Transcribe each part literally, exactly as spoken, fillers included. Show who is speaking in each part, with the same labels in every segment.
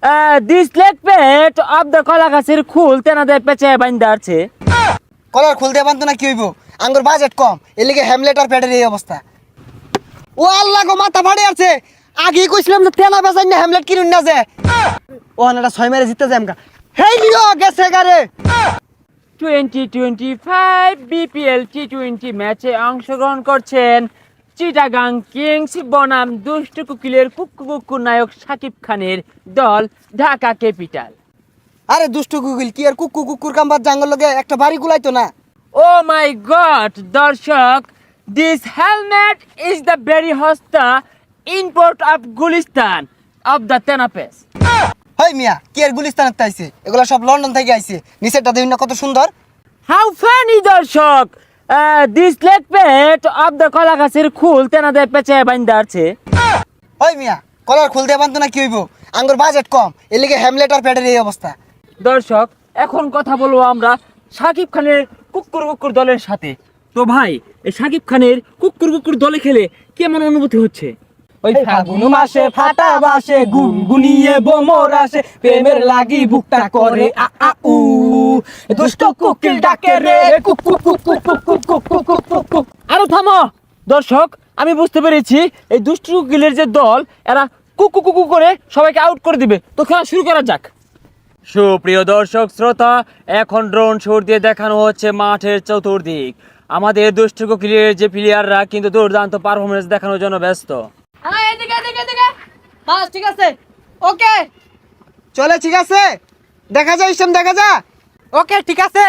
Speaker 1: This leg pet of the কলা গাছের খুল তেনাদের পেঁচে বাইন্দা আছে।
Speaker 2: কলার খুলতে পারতো না কি হইব, আঙ্গুর বাজেট কম, এর লিগে হ্যামলেট আর প্যাডের এই অবস্থা। ও আল্লাহ গো, মাথা ফাড়ে আছে। আগেই কইছিলাম যে তেনা বেচাই না হ্যামলেট কিনুন না যে। ও এটা ছয় মেরে জিততে যায় আমকা। হেই লিও গেছে গারে।
Speaker 1: Twenty twenty five BPL T twenty ম্যাচে অংশগ্রহণ করছেন চিটাগাং কিংস বনাম দুষ্ট কুকিলের কুক্কু কুক্কু নায়ক শাকিব খানের দল ঢাকা ক্যাপিটাল।
Speaker 2: আরে দুষ্টু গুগল কি আর কুকুর কুকুর কাম্বার জাঙ্গল লগে একটা বাড়ি গুলাইতো না।
Speaker 1: ও মাই গড দর্শক, this helmet is the very হস্তা import of Gulistan of the তেনাপেস।
Speaker 2: হেই মিয়া, কি আর গুলিস্তানের তাইছে, এগুলা সব লন্ডন থেকে আইছে। নিচেরটা দেখুন না কত সুন্দর।
Speaker 1: হাউ ফানি দর্শক, this leg pet of the কলা গাছের খুল তেনাদের পেঁচে বাইন্দা আছে।
Speaker 2: ওই মিয়া, কলার খুলতে পারতো না কি হইব, আঙ্গুর বাজেট কম, এর লিগে হ্যামলেট আর প্যাডের এই অবস্থা।
Speaker 1: দর্শক, এখন কথা বলবো আমরা শাকিব খানের কুকুর কুকুর দলের সাথে। তো ভাই, এই শাকিব খানের কুকুর কুকুর দলে খেলে কেমন অনুভূতি হচ্ছে?
Speaker 3: ওই ফাগুন মাসে ফাটা বাসে গুনগুনিয়ে বোমর আসে, প্রেমের লাগি বুকটা করে আ আ উ, দুষ্ট কুকিল ডাকে রে কুক কুক কুক কুক কুক কুক কুক কুক কুক কুক কুক।
Speaker 1: আরো থামো দর্শক, আমি বুঝতে পেরেছি এই দুষ্টু কুকিলের যে দল, এরা কুকু কুকু করে সবাইকে আউট করে দিবে। তো খেলা শুরু করা যাক। সুপ্রিয় দর্শক শ্রোতা, এখন ড্রোন শট দিয়ে দেখানো হচ্ছে মাঠের চতুর্দিক। আমাদের দুষ্টু কুকিলের যে প্লেয়াররা কিন্তু দুর্দান্ত পারফরমেন্স দেখানোর জন্য ব্যস্ত।
Speaker 3: হ্যাঁ, এদিকে এদিকে এদিকে। বাস ঠিক আছে, ওকে
Speaker 2: চলে, ঠিক আছে, দেখা যায় ইসলাম, দেখা যা।
Speaker 3: ওকে ঠিক আছে।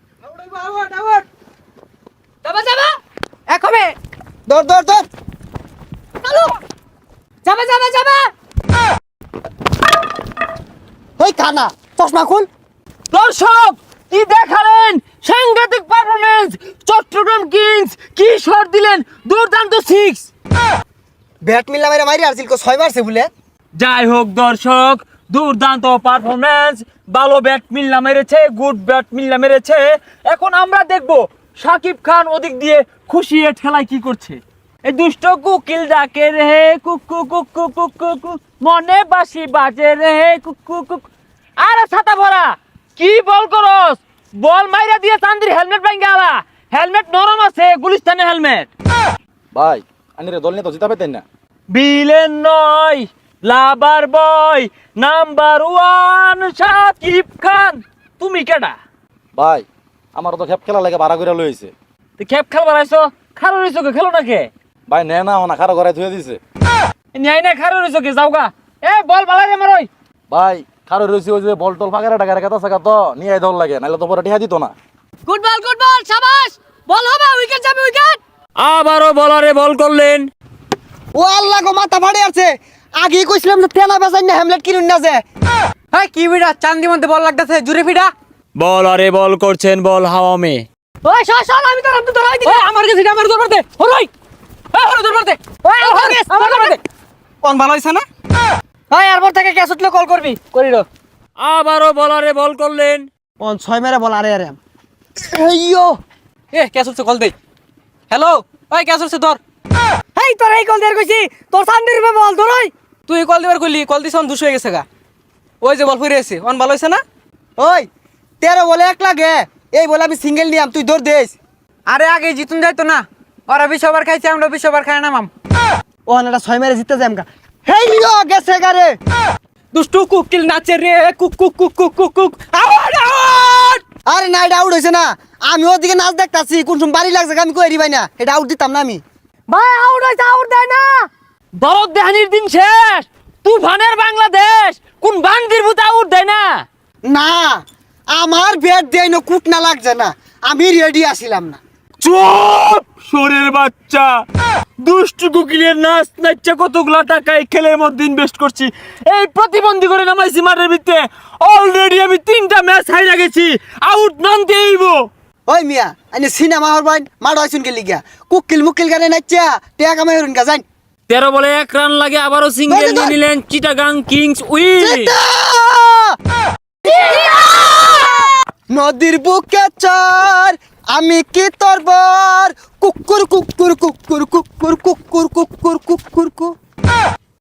Speaker 3: যাবা যাবা এক হবে।
Speaker 2: দৌড় দৌড় দৌড়।
Speaker 3: চলো যাবা যাবা যাবা।
Speaker 2: ওই কানা, চশমা খুল।
Speaker 1: দর্শক, কি দেখালেন সাংঘাতিক পারফরমেন্স! চট্টগ্রাম কিংস কি শট দিলেন, দুর্দান্ত সিক্স।
Speaker 2: ব্যাট মিল্লা মেরে মারি আসছিল, কো ছয় মারছে বলে।
Speaker 1: যাই হোক দর্শক, দুর্দান্ত পারফরমেন্স, ভালো ব্যাট মিল্লা মেরেছে, গুড ব্যাট মিল্লা মেরেছে। এখন আমরা দেখব শাকিব খান ওদিক দিয়ে খুশি এ ঠেলায় কি করছে। এই দুষ্ট কুকিল ডাকে রে কুকু কুকু কুকু কুক, মনে বাসি বাজে রে কুকু কুক। আরে ছাতা ভরা, কি বল করস? বল মাইরা দিয়ে চান্দির হেলমেট ভাঙ্গা আলা। হেলমেট নরম আছে, গুলিস্তানের হেলমেট।
Speaker 4: ভাই আনিরে দল নিয়ে তো জিতা পেতেন না।
Speaker 1: বিলেন নয়, lover boy number one Shakib Khan. তুমি কেডা?
Speaker 4: ভাই আমার তো খেপ খেলা লাগে ভাড়া করে লইছে।
Speaker 1: তুই খেপ খেল বানাইছো, খারো রইছো কে? খেলো না কে?
Speaker 4: ভাই নে না না খারো ঘরে ধুয়ে দিছে।
Speaker 1: ন্যায় না খারো রইছো কে? যাওগা। এ বল বালাই রে মারই।
Speaker 4: ভাই খারো রইছে ওই যে বল টল ফাঁকা টাকা রেখা থাকা তো নিয়ে দল লাগে, নাহলে তো পরে টিহা দিত না।
Speaker 3: Good ball good ball, শাবাশ। বল হবে, উইকেট যাবে, উইকেট।
Speaker 1: আবারও বলারে বল করলেন।
Speaker 2: ও আল্লাহ গো, মাথা ফাড়ে আছে। আগেই কইছিলাম যে তেনা বেচাই না হ্যামলেট কিনুন না যে।
Speaker 3: এই কি বিড়া, চান্দি মধ্যে বল লাগতেছে, জুরে ফিডা।
Speaker 1: বলারে বল করছেন, বল হাওয়া মে।
Speaker 3: ওই সর সর, আমি তোর আমি তো ধরাই দিই। আমার কাছে আমার দরবার দে, হরই। এই হরই দরবার দে। ওই আমার কাছে আমার দরবার দে।
Speaker 2: কোন ভালো হইছে না?
Speaker 3: ওই এরপর থেকে ক্যাচ উঠলে কল করবি, করিরো।
Speaker 1: আবারও বলারে বল করলেন।
Speaker 2: কোন ছয় মেরে বল। আরে আরে এইয়ো,
Speaker 3: এ ক্যাচ উঠছে, কল দে। হ্যালো, ওই ক্যাচ উঠছে ধর। এই তোর এই কল দেয়ার কইছি, তোর চান্দির রূপে বল ধরই। তুই কল দিবার কইলি, কল দিছ অন দুশো হয়ে গেছে গা। ওই যে বল ফিরে এসে, অন ভালো হইছে না?
Speaker 2: ওই তেরো বলে এক লাগে, এই বলে আমি সিঙ্গেল নিয়াম, তুই দৌড় দেস।
Speaker 3: আরে আগে জিতুন যাইতো না, ওরা বিশ ওভার খাইছে, আমরা বিশ ওভার খাই নামাম।
Speaker 2: ও এটা ছয় মেরে জিততে যায় আমকা। হেই লিও গেছে গারে।
Speaker 3: দুষ্টু কুকিল নাচে রে কুক কুক কুক কুক কুক কুক। Out out.
Speaker 2: আরে না, এটা আউট হইছে না। আমি ওদিকে নাচ দেখতাছি, কোন সময় বাড়ি লাগছে আমি কই ভাই না, এটা আউট দিতাম না আমি।
Speaker 3: ভাই আউট হইছে, আউট দেয় না।
Speaker 1: দরদ দেহানির দিন শেষ, তুফানের বাংলাদেশ কোন বান্দির ভূত আউট দেয় না।
Speaker 2: না, আমার ব্যাট দেয় না, কুট না লাগছে না, আমি রেডি আসিলাম না।
Speaker 1: চুপ শোরের বাচ্চা, দুষ্টু কুকিলের নাচ নাচছে কতগুলা টাকা এই খেলের মধ্যে ইনভেস্ট করছি, এই প্রতিবন্ধী করে নামাইছি মাঠের ভিতরে। অলরেডি আমি তিনটা ম্যাচ হাইরা গেছি, আউট নন দেইব।
Speaker 2: ওই মিয়া, আইনে সিনেমা হর বাইন মাড হইছুন কে লিগা, কুকিল মুকিল গানে নাচা টেয়া কামাই হরুন গা যাই।
Speaker 1: তেরো বলে এক রান লাগে, আবারও সিঙ্গেল নিয়ে নিলেন চিটাগাং কিংস উইন।
Speaker 2: নদীর বুকে চর, আমি কি তোর বর, কুকুর কুকুর কুকুর কুকুর কুকুর কুকুর কুকুর কুকুর।